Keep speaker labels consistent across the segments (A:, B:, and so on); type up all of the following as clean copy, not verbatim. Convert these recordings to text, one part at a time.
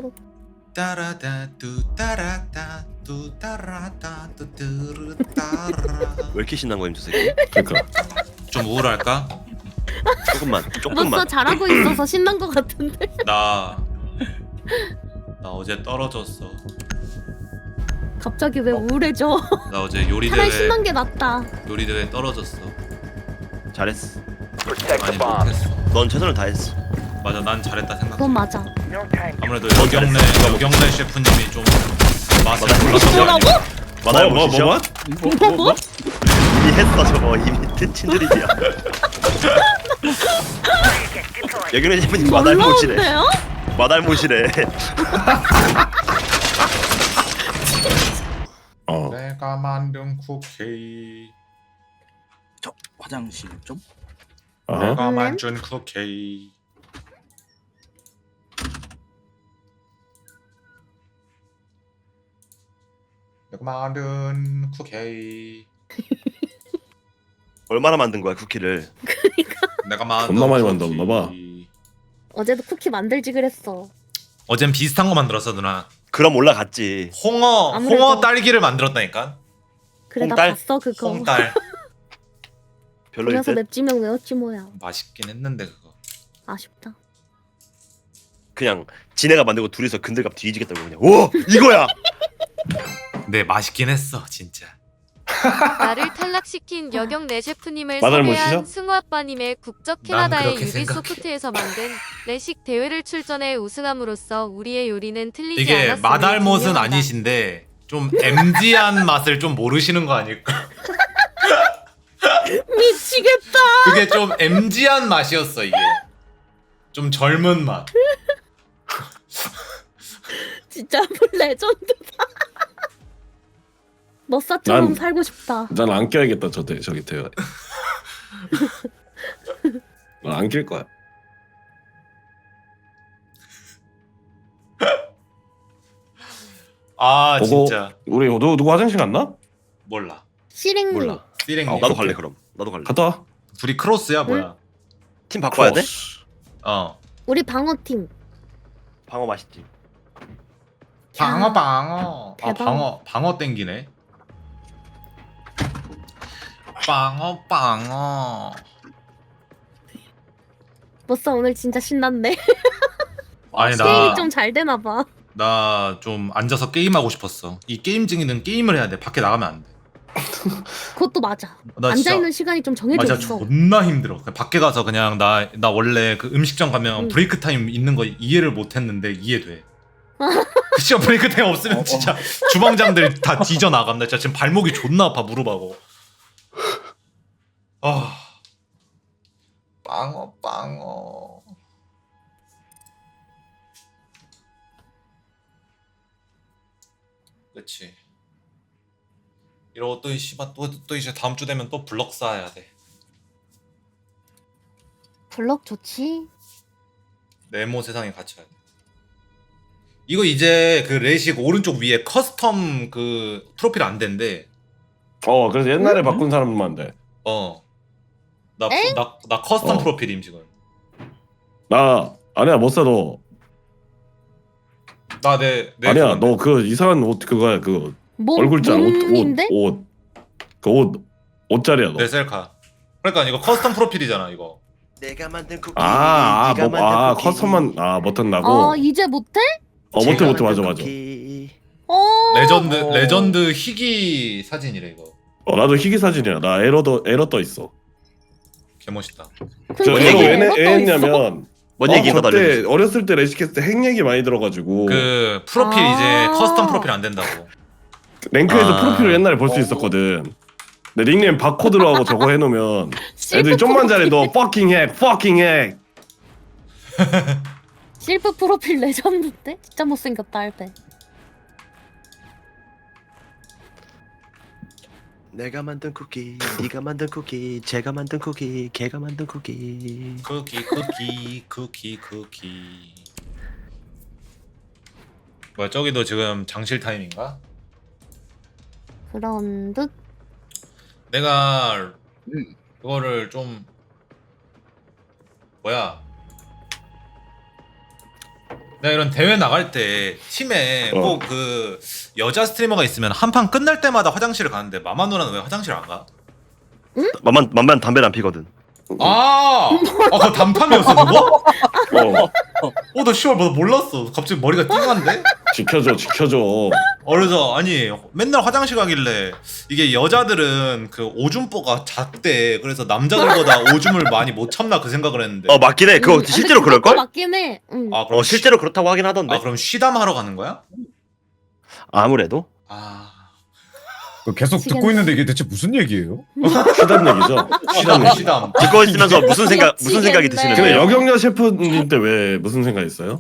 A: 초록.
B: 따라다 뚜따라다 뚜따라다 뚜뚜르따라.
C: 왜 이렇게 신난 거임 저 새끼?
D: 그러니까
B: 좀 우울할까?
C: 조금만.
A: 머싸 잘하고 있어서 신난 것 같은데.
B: 나 어제 떨어졌어.
A: 갑자기 왜 우울해져?
B: 나 어제 요리
A: 차라리
B: 대회
A: 신난 게 낫다.
B: 요리 대회 떨어졌어.
C: 잘했어.
B: 아니 못했어.
C: 넌 최선을 다했어.
B: 맞아, 난 잘했다 생각.
A: 그건 맞아.
B: 아무래도 여경래 셰프님이 좀 맛을 몰랐던 거
A: 뭐라고?
B: 아니야?
C: 마다를
D: 뭐
C: 보시죠.
A: 뭐?
C: 이미 했어 저거 이미 친들이야. 여기는 셰프님 마달못이래.
A: 놀라운데요?
C: 마달못이래.
B: 내가 만든 쿠키.
E: 저 화장실 좀.
B: 내가 만든 쿠키. 내가 만든 쿠키.
C: 얼마나 만든 거야 쿠키를?
B: 내가 만든
D: 존나 많이
B: 쿠키.
D: 만들었나 봐.
A: 어제도 쿠키 만들지 그랬어.
B: 어젠 비슷한 거 만들었어 누나.
C: 그럼 올라갔지.
A: 아무래도.
B: 홍어 딸기를 만들었다니까.
A: 그래 나
C: 홍딸?
A: 봤어 그거.
B: 홍딸.
C: 별로일
A: 그래서
C: 듯.
A: 맵지명 외웠지 뭐야.
B: 맛있긴 했는데 그거.
A: 아쉽다.
C: 그냥 지네가 만들고 둘이서 근들갑 뒤지겠다고 그냥. 오 이거야.
B: 네, 맛있긴 했어 진짜.
F: 나를 탈락시킨 여경래 셰프님을
D: 마늘
F: 섭외한
D: 모시죠?
F: 승우 아빠님의 국적
B: 난
F: 캐나다의
B: 그렇게
F: 유비소프트에서 만든 레식 대회를 출전해 우승함으로써 우리의 요리는 틀리지
B: 이게
F: 않았음을
B: 마달못은
F: 증명한다.
B: 아니신데 좀 MG한 맛을 좀 모르시는 거 아닐까?
A: 미치겠다.
B: 그게 좀 MG한 맛이었어 이게. 좀 젊은 맛.
A: 진짜 레전드다. 머싸처럼
D: 난-
A: 살고 싶다.
D: 난 안 껴야겠다 저기 대회. 난안 낄 거야.
B: 아
D: 보고-
B: 진짜
D: 우리 누구 화장실 갔나?
B: 몰라.
A: 실행님.
B: 몰라. 띠랭이.
C: 나도 갈래 그럼. 나도 갈래.
D: 갔다 와.
B: 둘이 크로스야 뭐야?
C: 팀 바꿔야 돼?
B: 어.
A: 우리 방어팀.
C: 방어 맛있지.
B: 방어. 아
A: 대박.
B: 방어 땡기네. 방어.
A: 머싸 오늘 진짜 신났네.
B: 아니
A: 게임이 좀 잘 되나 봐.
B: 나 좀 앉아서 게임하고 싶었어. 이 게임쟁이는 게임을 해야 돼. 밖에 나가면 안 돼.
A: 그것도 맞아.
B: 나
A: 앉아
B: 진짜
A: 있는 시간이 좀 정해져
B: 맞아
A: 있어.
B: 존나 힘들어. 그냥 밖에 가서 그냥 나 원래 그 음식점 가면
A: 응.
B: 브레이크 타임 있는 거 이해를 못 했는데 이해돼. 그 진짜 브레이크 타임 없으면 진짜 주방장들 다 뒤져 나간다. 진짜 지금 발목이 존나 아파 무릎하고. 아. 빵어. 그치. 이러고 또 씨발 또 이제 다음 주 되면 또 블럭 쌓아야 돼.
A: 블럭 좋지.
B: 네모 세상에 갇혀야 돼. 이거 이제 그 레식 오른쪽 위에 커스텀 그 프로필 안 된대.
D: 그래서 옛날에 바꾼 사람만 돼.
B: 나
A: 엥?
B: 커스텀
D: 어.
B: 프로필임 지금.
D: 나 아니야 못 사도.
B: 나내
D: 아니야 너 그 이상한 옷 그거야 그거 얼굴자
A: 몸인데?
D: 옷자리야 너.
B: 내 셀카. 그러니까 이거 커스텀 프로필이잖아 이거.
C: 내가 만든 쿠키.
D: 커스텀만 버튼 나고.
A: 이제 못해?
D: 못해 맞아.
B: 레전드 희귀 사진이래 이거.
D: 나도 희귀 사진이야. 나 에러 떠 있어.
B: 개멋있다.
D: 저
A: 근데
D: 에러
A: 왜
D: 왜 했냐면
C: 뭔 얘기인가
D: 그때
C: 달려주세요.
D: 어렸을 때 레시캐스트 핵 얘기 많이 들어가지고
B: 그 프로필 이제 커스텀 프로필 안 된다고.
D: 랭크에서
C: 아.
D: 프로필을 옛날에 볼 수 있었거든. 근데 닉네임 바코드로 하고 저거 해놓으면 애들이 좀만 잘해. 너 fucking 핵.
A: 실프 프로필 레전드인데? 진짜 못생겼다 할 때.
C: 내가 만든 쿠키, 네가 만든 쿠키, 제가 만든 쿠키, 걔가 만든 쿠키.
B: 쿠키. 뭐야 저기도 지금 장실 타임인가?
A: 그런 듯.
B: 내가 그거를 좀 뭐야 내가 이런 대회 나갈 때 팀에
D: 어.
B: 꼭 그 여자 스트리머가 있으면 한 판 끝날 때마다 화장실을 가는데 마마 누나는 왜 화장실 안 가?
C: 맘만 담배를 안 피거든.
B: 그거 단판이었어 그거?
D: 어,
B: 나 씨발 나 몰랐어. 갑자기 머리가 띵한데?
D: 지켜줘.
B: 그래서 아니 맨날 화장실 가길래 이게 여자들은 그 오줌보가 작대. 그래서 남자들보다 오줌을 많이 못 참나 그 생각을 했는데.
C: 맞긴 해. 그거 실제로 그럴 걸?
A: 맞긴 해. 응.
B: 그럼
C: 실제로 그렇다고 하긴 하던데.
B: 그럼 쉬담하러 가는 거야?
C: 아무래도.
G: 계속 듣고 있는데 이게 대체 무슨 얘기예요?
D: 시담 얘기죠. 시담 얘기.
B: 쉬담.
C: 듣고 있으면서 무슨 생각이 드시는
D: 근데
C: 거예요?
D: 여경여 셰프님 때 왜 무슨 생각 있어요?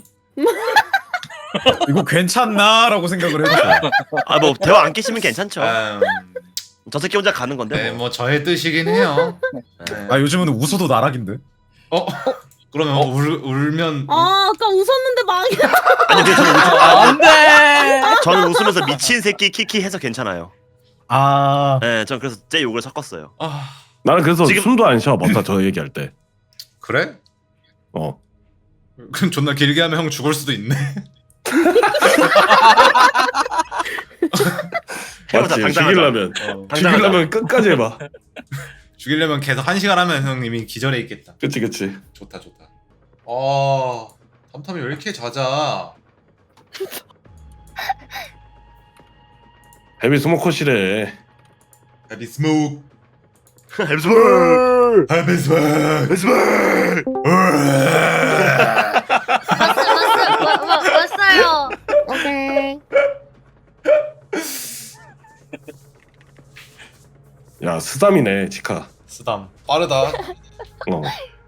G: 이거 괜찮나라고 생각을 해봤어요.
C: 뭐 대화 안 끼시면 괜찮죠.
B: 음,
C: 저 새끼 혼자 가는 건데.
B: 네,
C: 뭐.
B: 뭐 저의 뜻이긴 해요. 네.
G: 요즘은 웃어도 나락인데.
B: 그러면 울면
A: 아까 웃었는데 망해.
C: 아니 근데 저는
E: 안돼.
C: 저는 웃으면서 미친 새끼 키키 해서 괜찮아요. 네, 전 그래서 제 욕을 섞었어요.
D: 나는 그래서
C: 지금-
D: 숨도 안 쉬어. 맞다 저 얘기할 때.
B: 그래?
D: 어.
B: 그럼 존나 길게 하면 형 죽을 수도 있네.
C: 해보자,
D: 맞지.
C: 당당하자.
D: 죽이려면
B: 어.
D: 죽이려면 끝까지 해봐.
B: 죽이려면 계속 1시간 하면 형님이 기절해 있겠다.
D: 그치.
B: 좋다. 탐탐이 왜 이렇게 잦아?
D: 헤비 스모커시래.
B: 헤비 스모크.
C: 햄스볼.
B: 헤비 스모크.
F: 왔어요.
A: 오케이.
D: 야 스담이네 지카.
B: 쓰담. 빠르다.
D: 어.